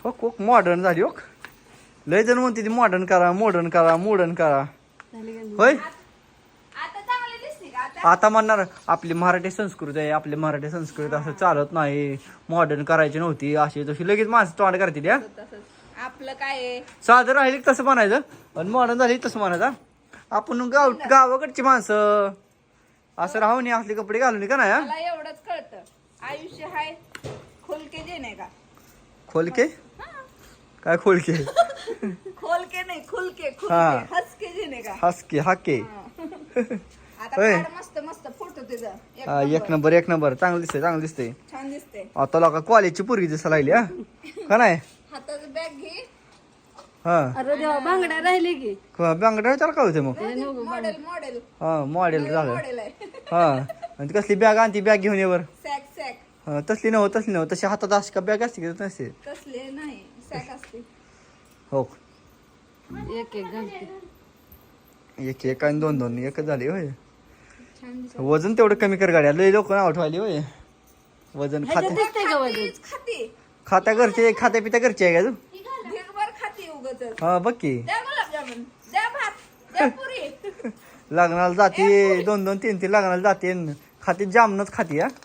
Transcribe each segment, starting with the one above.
हो मॉडर्न झाली हो. लय जण म्हणते ती मॉडर्न करा मॉडर्न करा मॉडर्न करा. होय आता चांगली दिसते का आता? आता म्हणणार आपली मराठी संस्कृती आहे, आपली मराठी संस्कृती असं चालत नाही, मॉडर्न करायची नव्हती अशी तशी लगेच माणसं तोंड करते त्या. तसंच आपलं काय आहे? साधं राहिली तसं म्हणायचं आणि मॉडर्न झाली तसं म्हणायचं. आपण गावाकडची माणसं असं राहून नये, असले कपडे घालून का नाही. मला एवढंच कळतं, आयुष्य हाय खोलके जे नाही का? खोलके काय खोलके खोलके नाही खुलके हा. खुलके हसके जे नाही का? हसके हाके. आता होय. काढ मस्त मस्त फोटो तुझा हा, एक नंबर चांगलं दिसतंय चांगलं दिसतंय. छान दिसते. आता लोका कॉलेजची पोरगी दिसायला लागली हा का नाही. हातात बॅग घे. हा अरे देवा बांगड्या राहिले की बांगड्या विचार काय होते मग. मॉडेल मॉडेल हा मॉडेल झालं. मॉडेल आहे. हा आणि ती कसली बॅग आणती बॅग घेऊन येवर. सॅक सॅक तसली नव्ह तशी हातात अशी का बॅग असते की नसते. तसले नाही सॅक असते. हो एक एक घालते. एक एक आणि दोन एकच झाली होय. छान दिसत. वजन तेवढं कमी कर गाड्या लय लोक नाव ठेवाली होय. वजन ह्याच्यात खाते दिसतंय का वजन? खाते खाता घरचे खाता पिता घरचे आहे का तू. ढेगभर खाते उगाच. हा बघ की द्या गुलाबजामुन द्या भात द्या पुरी. लग्नाला जाते 2-2 3-3 लग्नाला जाते खाते जामनच खाते हा.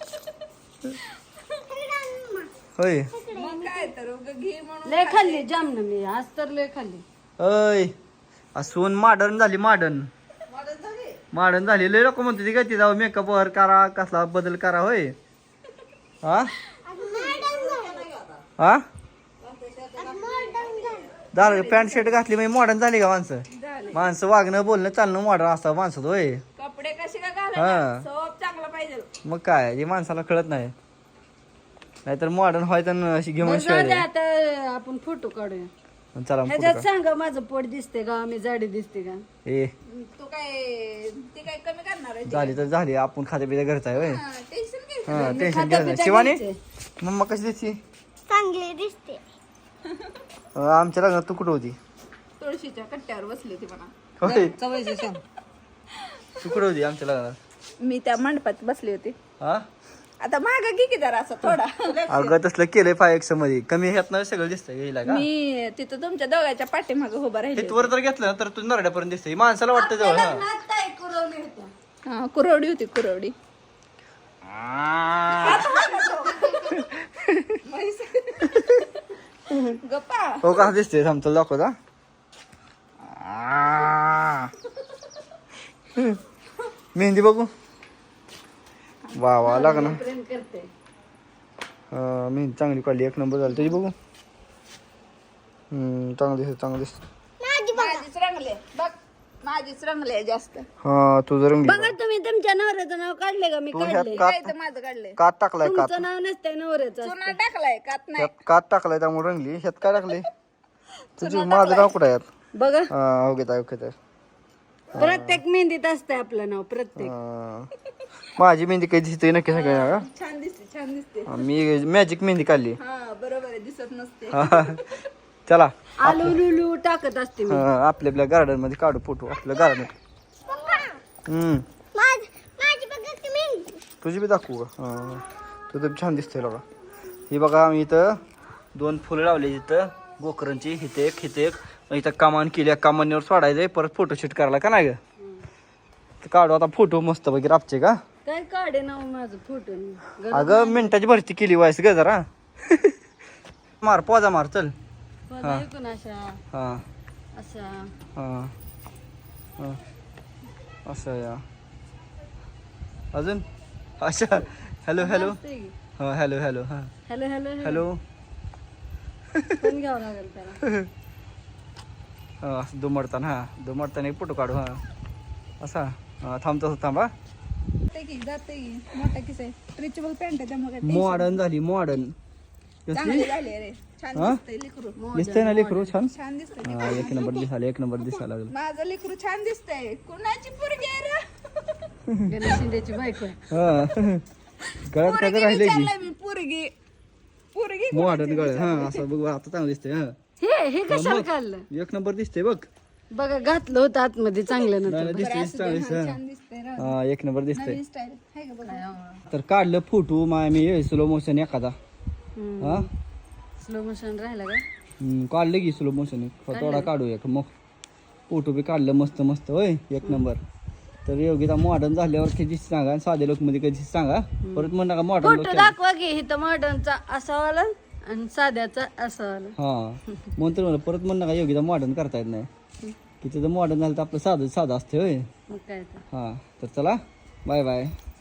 होय मग काय तर उगा घे म्हणून लय खाल्ली जामन मी आज तर लय खाल्ली. अय असून मॉडर्न झाली मॉडर्न मदत झाली. लय लोक म्हणते ती काय ती जाऊ मेकअप वर करा कसला बदल करा होय. हा हा झालं पॅन्ट शर्ट घातली म्हणजे मॉडर्न झाली का माणसं. झाले. माणसं वागणं बोलणं चालणं मॉडर्न असतं माणसं होय. कपडे कसे का हा. घालायचे सोप चांगला पाहिजे. मग काय हे माणसाला कळत नाही. नाहीतर मॉडर्न व्हायचं आणि अशी घेऊन बरं जाऊ दे, शिवाय आता आपण फोटो काढूया. चला ह्याच्यात पुढं सांगा माझं पोट दिसते का मी जाडी दिसते का. ए तू काय ते काय कमी करणार आहे? झाली तर झाली आपण खाते पिता घरचा आहे होय. टेन्शन घ्यायचं. हा टेन्शन खाता घ्यायचं पिता नाही. शिवानी घ्यायचंय. मम्मा कशी दिसती. चांगली दिसते. आमच्या लग्नात तू कुठं होती. तुळशीच्या कट्ट्यावर बसली होती म्हणा. होय चवायचं सांग. तू कुठं होती आमच्या लग्नात. मी त्या मंडपात बसली होती. हा आता माग घे की जरा असं थोडा. अगं तसलं केलंय 5x मध्ये कमी ह्यात ना सगळं दिसतंय गेला का. मी तिथं तुमच्या दोघांच्या पाठीमाग उभा राहिली. वर जर घेतलं ना तर तू नरड्यापर्यंत दिसतंय माणसाला वाटतं जवळ. हा आता एक कुरवली होत्या. हा कुरवडी होती कुरवडी. गप्पा हो का दिसतंय थांबतो दाखवता. मेहंदी बघू. वा वा लागना. प्रेम करते. मेहंदी चांगली काढली एक नंबर झाली तुझी बघू. चांगलं दिसत माझीच रंगले बघ माझीच रंगले जास्त. हा तुझं रंग बघा तुम्ही तुमच्या नवऱ्याचं नाव काढले का मी तू काढले. ह्यात काय तर माझं काढलंय. कात टाकलाय कात. तुमचं नाव नसतंय नवऱ्याचं. चुना टाकलाय कात नाही. ह्यात कात टाकलाय त्यामुळे रंगली. ह्यात काय टाकले तुझी माझं नाव कुठं आहे यात. बघा हा ओके प्रत्येक मेहंदीत असतंय आपलं नाव प्रत्येक. माझी मेहंदी काही दिसते नक्की सगळ्या. छान दिसते छान दिसते. मी मॅजिक मेहंदी काढली. हा बरोबर आहे दिसत नसते. चला आलू लुलू टाकत असते मी. आपल्या गार्डन मध्ये काढू फोटो आपल्या गार्डन. माझी बघा की मेहंदी. तुझी बी दाखवू का. तुझं छान दिसतंय बघा. ही बघा आम्ही इथं 2 फुलं लावली इथं गोकरणची. हिथे एक इथं कमान केली. कमानीवर सोडायचंय परत फोटोशूट करायला का नाही ग. काढू आता फोटो मस्त पैकी रापचे का. काय काढे नाव माझं फोटो. अगं मिनिटाची भरती केली वायस ग जरा. मार पोजा मार चल. ऐकून अशा हा अशा हा असं या अजून अच्छा हॅलो हा हॅलो हॅलो हा हॅलो हॅलो पण घ्यावं लागेल त्याला. असं दुमडताना एक फोटो काढू. हा असा थांबतो थांबा. जाते की मोठा किस आहे स्ट्रेचेबल पॅन्ट आहे त्यामुळे मॉडर्न झाली मॉडर्न. चांगली झाली रे. छान हा? दिसतंय लेकरू. दिसतंय ना लेकरू छान. छान दिसतंय. हा एक नंबर दिसायला लागलं. माझं लेकरू छान दिसतंय. कुणाची पोरगी आहे रे? गणेश शिंदेची बायको आहे. हा गळ्यात काय तर पोरगी राहिले की विचारलंय मी पोरगी मॉडर्न गळ. हा असं बघू आता चांगलं दिसतंय. हा हे कशाला काढलं. एक नंबर दिसतंय बघ. बघा घातलं होतं आतमध्ये चांगलं नव्हतं. दिसतंय चांगलं दिसतंय. छान दिसतंय रे. हा एक नंबर दिसतंय. नवीन स्टाईल आहे का बघा. तर काढलं फोटो मी स्लो मोशन एखादा. हा स्लो मोशन राहिला का काढलं की स्लो मोशन थोडा काढूया का मग फोटो बी काढलं मस्त मस्त होय एक नंबर. तर योगिता मॉडर्न झाल्यावर कधी सांगा आणि साध्या लोक मध्ये कधी सांगा परत म्हण नका मॉडर्न लोक फोटो दाखवा की इथं मॉडर्नचा असा वाला आणि साध्याचा असा वाला. हा म्हणून तर मला परत म्हण नका योगिता मॉडर्न करता येत नाही की तिथं मॉडर्न झालं तर आपलं साधं साधं असते होय. मग काय तर हा तर चला बाय बाय.